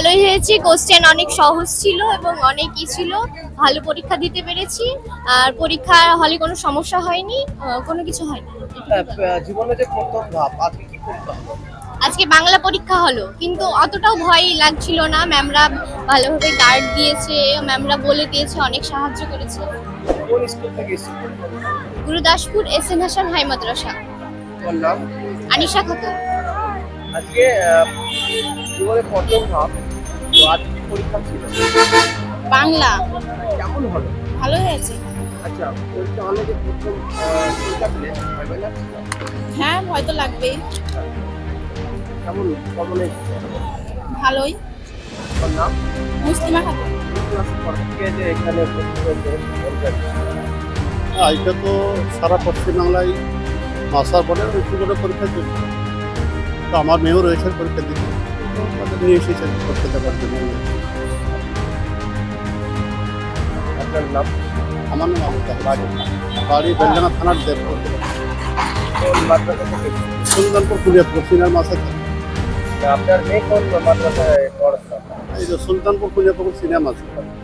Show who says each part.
Speaker 1: ভালোই হয়েছে, কোশ্চেন অনেক সহজ ছিল এবং অনেক ছিল, ভালো পরীক্ষা দিতে পেরেছি। আর পরীক্ষার হলে কোনো সমস্যা হয়নি, কোনো কিছু হয়নি।
Speaker 2: জীবনে যে প্রথম ধাপ আজকে কি পরীক্ষা হলো?
Speaker 1: আজকে বাংলা পরীক্ষা হলো, কিন্তু অতটাও ভয় লাগছিল না। ম্যামরা ভালোভাবে গার্ড দিয়েছে, ম্যামরা বলে দিয়েছে, অনেক সাহায্য করেছে।
Speaker 2: কোন স্কুল থেকে এসেছেন?
Speaker 1: Gurudaspur S N Hasan high Madrasa.
Speaker 2: তোমার নাম?
Speaker 1: আনিশা খাতুন।
Speaker 2: আজকে জীবনে প্রথম ধাপ, তো আজকে কি পরীক্ষা ছিল?
Speaker 3: বাংলা
Speaker 2: কেমন হলো?
Speaker 3: ভালো হয়েছে।
Speaker 2: আচ্ছা, পরীক্ষা হলে যে প্রথম পরীক্ষা দিলে ভয় লাগছিল?
Speaker 3: হ্যাঁ, ভয় তো লাগবেই।
Speaker 2: কেমন কেমন এসেছে?
Speaker 3: ভালোই।
Speaker 2: তোমার নাম?
Speaker 3: মুসলিমা খাতুন।
Speaker 2: ক্লাসে পড়াতে যে এখানে বলবেন।
Speaker 4: এটা তো সারা পশ্চিমবাংলায় মাস্টার বোর্ডের একটু করে পরীক্ষা চলছে। তো আমার মেয়েও রয়েছে পরীক্ষা দিতে, তো তাদের নিয়ে এসেছেন পরীক্ষা দেওয়ার জন্য।
Speaker 2: আপনার নাম?
Speaker 4: আমার নাম আবু তাহের। বাড়ি বেলডাঙ্গা থানার দেবপুর,
Speaker 2: কোন মাদ্রাসা থেকে এসেছেন?
Speaker 4: সুলতানপুর কুলিয়াপুর সিনার মাসে থাকে।
Speaker 2: আপনার মেয়ে কোন মাদ্রাসায় পড়াশোনা?
Speaker 4: এই যে সুলতানপুর কুলিয়াপুর সিনেমা আছে।